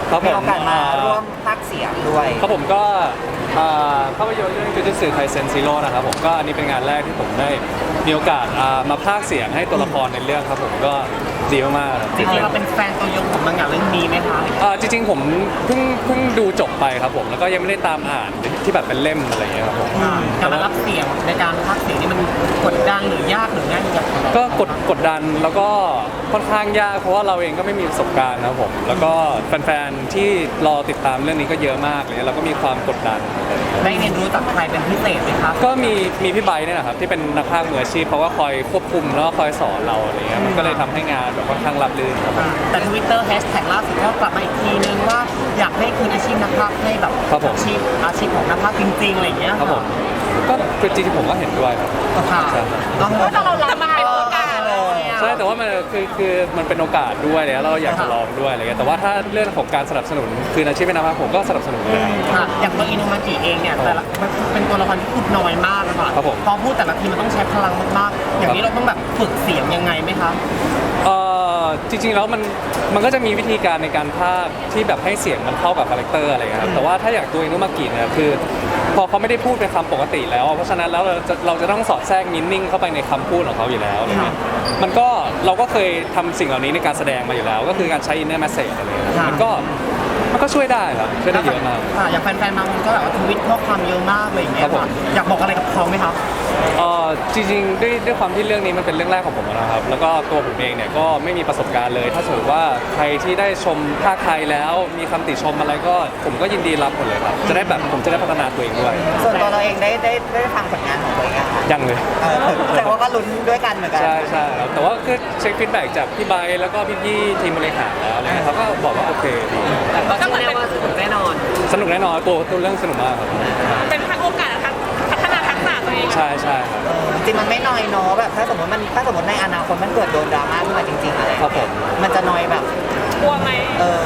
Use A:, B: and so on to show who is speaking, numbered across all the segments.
A: มีโอกาสมาร่วมพากย์เสียงด้วย
B: ครับผมก็ภาพยนตร์เรื่องจูจูสึไคเซ็นซีโร่นะครับผมก็อันนี้เป็นงานแรกที่ผมได้มีโอกาสมาพากย์เสียงให้ตัวละครในเรื่องครับผมก็ดีมากๆ
C: จริงๆเราเป็นแฟนตัวยงของมังงะเรื่องนี้ไหมคะ
B: จริงๆผมเพิ่งดูจบไปครับผมแล้วก็ยังไม่ได้ตามอ่านที่แบบเป็นเล่มอะไรอย่างเงี้ยครับผม
C: การรับเสียงในการพากย์เสียงนี่มันกดดันหรือยากหรือง่ายอย่างไร
B: ก็กดดันแล้วก็ค่อนข้างยากเพราะว่าเราเองก็ไม่มีประสบการณ์นะครับผมแล้วก็แฟนๆที่รอติดตามเรื่องนี้ก็เยอะมากเลยเราก็มีความกดดัน
C: ได้เรียนรู้จากใครเป็นพิเศษไหมครับ
B: ก็มีพี่ไบร์ทเนี่ยนะครับที่เป็นนักพากย์มืออาชีพเขาก็คอยควบคุมแล้วก็คอยสอนเราอะไรเงี้ยมันก็เลยทำให้งานแบบค่อนข้างราบรื่นครับ
C: แต่ Twitter แฮชแท็กล่าสุดก็กลับมาอีกทีนึงว่าอยากให้คืนอาชีพนักพากย์ให้แบบอาชีพของนักพากย์จริงๆอะไรอย่างเงี้ย
B: ครับผมก็คือจริงๆผมก็เห็นด้วยครับ
C: ต้องเรารับมาเป็นโอกาส
B: เลยใช่แต่ว่ามันคือมันเป็นโอกาสด้วยแล้วเราอยากจะลองด้วยอะไรเงี้ยแต่ว่าถ้าเรื่องของการสนับสนุนคืนอาชีพเป็นนักพากย์ผมก็สนับสนุนเลย
C: อย่างตัวอินุมากิเองเนี่ยแต่ละเป็นตัวละครที่พูดน้อยมากนะคะพอพูดแต่ละทีมันต้องใช้พลังมากๆอย่างนี้เราต้องแบบฝึกเสียงยังไงไหมคะ
B: จริงๆแล้วมันก็จะมีวิธีการในการพากย์ที่แบบให้เสียงมันเข้ากับคาแรคเตอร์อะไรเงี้ยครับแต่ว่าถ้าอย่างตัวอินุมากิเนี่ยคือพอเขาไม่ได้พูดเป็นคำปกติแล้วเพราะฉะนั้นแล้วเราจะต้องสอดแทรกมินนิ่งเข้าไปในคำพูดของเขาอยู่แล้วอะไรเงี้ยเราก็เคยทำสิ่งเหล่านี้ในการแสดงมาอยู่แล้วก็คือการใช้ inner message อะไรเงี้ยมันก็ช่วยได้ครับช่วยได้เยอะมาก
C: อย่างแฟนๆบางคนก็แบบว่าทวิตข้อความเยอะมากอะไรอย่างเงี้ยอยากบอกอะไรกับเขาไหมครับ
B: จริงๆด้วยความที่เรื่องนี้มันเป็นเรื่องแรกของผมนะครับแล้วก็ตัวผมเองเนี่ยก็ไม่มีประสบการณ์เลยถ้าสมมติว่าใครที่ได้ชมภาคไทยแล้วมีคำติชมอะไรก็ผมก็ยินดีรับหมดเลยครับจะได้แบบผมจะได้พัฒนาตัวเองด้วย
A: ส่วนตัวเราเองได้ฟังผลงานของตัวเอง
B: ยังเลย
A: แต่ว่าก็ลุ้นด้วยกันเหมือนกัน
B: ใช่ครับแต่ว่าก็เช็คฟีดแบ็กจากพี่ไบร์ทแล้วก็พี่ทีมบริหารแล้วอะไรเขาก็บอกว่าโอเคดี
C: ก็เหมือนว่าสนุกแน่นอน
B: ตัวเรื่องสนุกมากครับ
C: เป็นทั้งโอกาสทั้งพัฒนาทักษะตัวเอง
B: ใช่ครับ
A: จริงมันไม่น้อยเนาะแบบถ้าสมมติในอนาคตมันเกิดโดนดราม่าขึ้นมาจริงๆอะไร
B: ครับผม
A: มันจะน้อยแบบ
C: กลัวไหม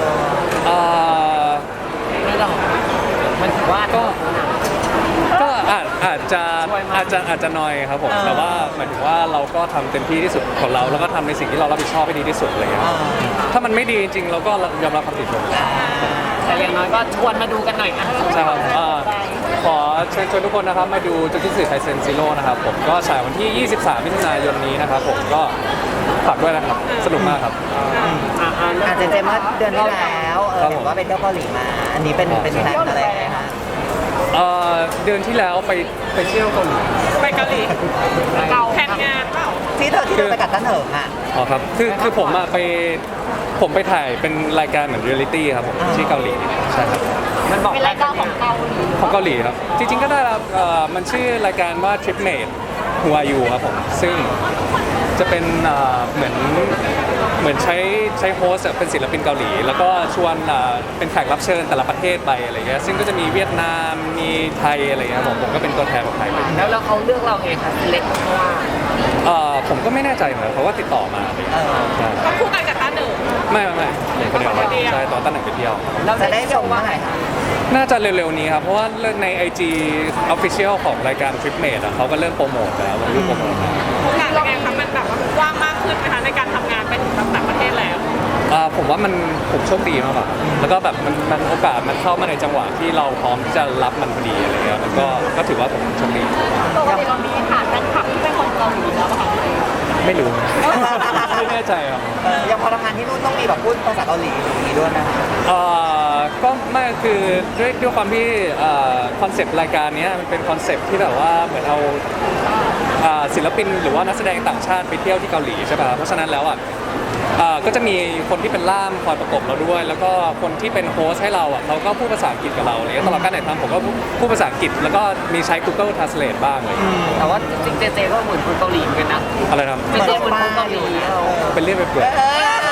C: ไม่หรอกมันถือว่า
B: ก็อาจจะน้อยครับผมแต่ว่าหมายถึงว่าเราก็ทำเต็มที่ที่สุดของเราแล้วก็ทำในสิ่งที่เรารับผิดชอบให้ดีที่สุดอะไรเงี้ยถ้ามันไม่ดีจริงๆเราก็ยอมรับความผิดชม
C: แต่อย่างน้อยก็ชวนมาดูกันหน่อย
B: ใช่ครับขอเชิญชวนทุกคนนะครับมาดูจูจูสึไคเซ็นซีโร่นะครับผมก็ฉายวันที่ 23 มิถุนายนนี้นะครับผมก็ฝากด้วยนะครับสนุกมากครับ
A: เจมส์เดือนที่แล้วเห็นว่าไปเที่ยวเกาหลีมาอันนี้เป็นแพลนอะไรคะ
B: เดือนที่แล้วไปเที่ยวเกาหลี
C: แผนงานเปล่า
A: ที่เธอไปกัดตั้นเหิงอ่ะ
B: อ๋อครับคือผมไปถ่ายเป็นรายการเหมือนเรียลลิตี้ครับผมที่เกาหลีใช่ครับ
C: มันบอกเป็นรายการของเ
B: กาหลีครับจริงๆก็ได้ครับมันชื่อรายการว่า Tripmate Who Are You ครับผมซึ่งจะเป็นเหมือนใช้โฮสต์เป็นศิลปินเกาหลีแล้วก็ชวนเป็นแขกรับเชิญแต่ละประเทศไปอะไรเงี้ยซึ่งก็จะมีเวียดนามมีไทยอะไรเงี้ยผมก็เป็นตัวแทนของไทยไป
C: แล้วเขาเลือกเราเองค่ะเล็กเพราะว่า
B: ผมก็ไม่แน่ใจเหมือนเขาก็ติดต่อมา
C: เขาคู่กันกับต้าหนึ่ง
B: ไม่คนเดียวใช่ตอนต้าหนึ่งไปเที่ยว
A: เราจะได้ชมว่าไงคะ
B: น่าจะเร็วๆนี้ครับเพราะว่าใน IG Official ของรายการ Tripmate เขาก็เริ่มโปรโมทแล้วลงรูปโปรโมท
C: งานเป็นไงคะมันแบบว่างมากขึ้นนะคะในการทำงานไปถึงต่างประเทศแล้ว
B: ผมว่าผมโชคดีมากกว่าแล้วก็แบบมันโอกาสมันเข้ามาในจังหวะที่เราพร้อมที่จะรับมันพอดีอะไรเงี้ยมันก็ถือว่าผมโชคดี
C: ปกติเรามีฐานแฟนคลับที่เป็นคนเกาหลีแล้วค่ะ
B: ไม่รู้ไม่แน่ใจครับ
A: ยังพอทำงานที่นู่นต้องมีแบบพูดภาษาเกาหลีอย่างนี้ด้วยนะ
B: ก็ไม่คือด้วยความที่คอนเซปต์รายการนี้มันเป็นคอนเซปต์ที่แบบว่าเหมือนเอาศิลปินหรือว่านักแสดงต่างชาติไปเที่ยวที่เกาหลีใช่ป่ะเพราะฉะนั้นแล้วก็จะมีคนที่เป็นล่ามคอยประกบเราด้วยแล้วก็คนที่เป็นโฮสต์ให้เราเขาก็พูดภาษาอังกฤษกับเราเลยตลอดการถ่ายทำผมก็พูดภาษาอังกฤษแล้วก็มีใช้ Google Translate บ้างเลย
C: แต่ว่าจริงเจก็เหมือนคนเกาหลีเหมือนกันนะ
B: อะไรนะ
C: เจเหมือนคนเกาหลี
B: เป็นเรื่องไปเปลือย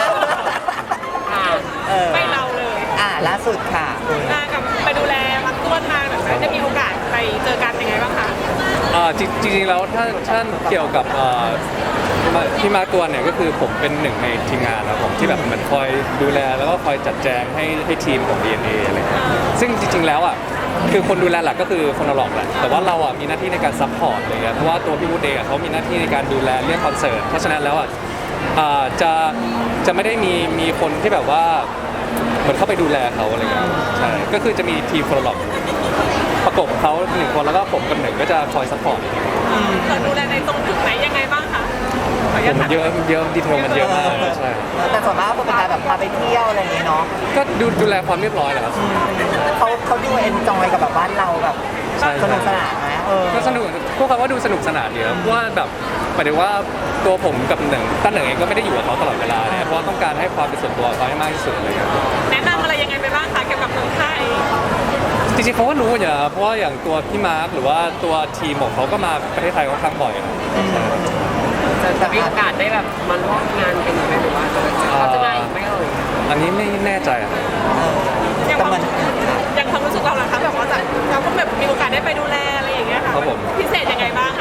C: ไม่เราเลย
A: ล่าสุดค่ะ
C: กับไปดูแลมักต้วนมาแบบได้มีโอกาสไปเจอกันยังไงบ้างคะ
B: จริงๆแล้วถ้าเกี่ยวกับที่มาตัวเนี่ยก็คือผมเป็นหนึ่งในทีมงานนะผมที่แบบเหมือนคอยดูแลแล้วก็คอยจัดแจงให้ทีมของ DNA อะไรซึ่งจริงๆแล้วคือคนดูแลหลักก็คือคนละหลอกแหละแต่ว่าเรามีหน้าที่ในการซัพพอร์ตอะไรเงี้ยเพราะว่าตัวพี่วูดเดย์เขามีหน้าที่ในการดูแลเรื่องคอนเสิร์ตเพราะฉะนั้นแล้วจะไม่ได้มีคนที่แบบว่ามือนเข้าไปดูแลเขาอะไรเงี้ยใช่ก็คือจะมีทีมโฟลล็อกประกบเขา1 คนแล้วก็ผมกับหนึ่งก็จะคอยซัพพอร์ต
D: เราดูแลในตรงจุดไหนยังไงบ้างคะขออนุญาต
B: มันเยอะดีเทลมันเยอะมากใช่
A: แต่ส่วนมากก็เป็นการแบบพาไปเที่ยวอะไรอย่างเงี้ยเนาะ
B: ก็ดูแลความเรียบร้อยแหละครับ
A: เขาดูเอนจอยกับแบบบ้านเราแบบ
B: ใช่
A: สนุกสนานไหม
B: ก็สนุกพวกเขาว่าดูสนุกสนานดีครับเพราะว่าแบบหมายถึงว่าตัวผมกับหนึ่งตั้งหนึ่งเองก็ไม่ได้อยู่กับเขาตลอดเวลาเนี่ยเพราะว่าต้องการให้ความเป็นส่วนตัวเขาให้มากที่สุดอะไรเงี้ย
D: แนะนำอะไรยังไงไปบ้างคะเกี่ยวกับเมืองไทย
B: จริงๆเขาก็รู้อยู่นะเพราะว่าอย่างตัวพี่มาร์คหรือว่าตัวทีมของเขาก็มาประเทศไทยค่อนข้างบ่อยนะ
C: จะมีโอกาสได้แบบมาร่วมงานกันไหมหรือว่าเขาจะมาอีกไหมเอ่ย
B: อันนี้ไม่แน่ใจอะ
D: อย่างความอย่างความรู้สึกเราล่ะคะแบบว่าเราก็แบบมีโอกาสได้ไปดูแลอะไรอย่างเงี้ยค่ะพิเศษยังไงบ้างคะ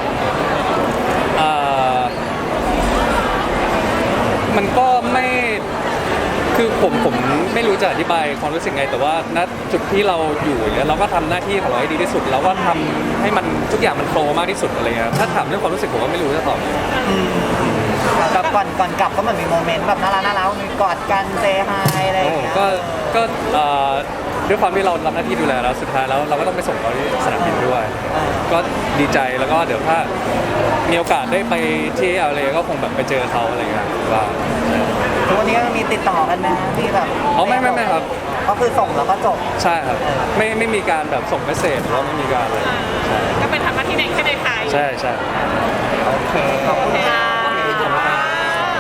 B: มันก็ไม่คือผมไม่รู้จะอธิบายความรู้สึกไงแต่ว่าณจุดที่เราอยู่เนี่ยเราก็ทำหน้าที่ของเราให้ดีที่สุดแล้วก็ทำให้มันทุกอย่างมันโฟล์มากที่สุดอะไรเงี้ยถ้าถามเรื่องความรู้สึกผมก็ไม่รู้จะตอบ
A: แบบก่อนกลับก็เหมือนมีโมเมนต์แบบน่ารักมีกอดกันเซฮายอะไรอย่างเงี้ย
B: ก็ด้วยความที่เรารับหน้าที่ดูแลแล้วสุดท้ายแล้วเราก็ต้องไปส่งเขาที่สนามบินด้วย ก็ดีใจแล้วก็เดี๋ยวถ้ามีโอกาสได้ไปที่อะไรก็คงแบบไปเจอเขาอะไรเงี้ยว่า
A: ทุกวันนี้ก็มีติดต่อกันไหมที่แบบ
B: อ๋อไม่ครับ
A: ก็คือส่งแล้วก็จบ
B: ใช่ครับไม่มีการแบบส่งเมสเซจหรือว่าไม่มีการอะไรใช่
D: ก็เป็นทำหน้าที่ในแค่ในไทย
B: ใช่ใช่
A: โอเคขอบคุณค่ะ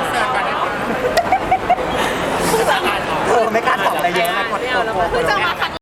A: ไม่กล้าตอบอะไรเยอะนะกด
D: เพิ่งจะมาครั้ง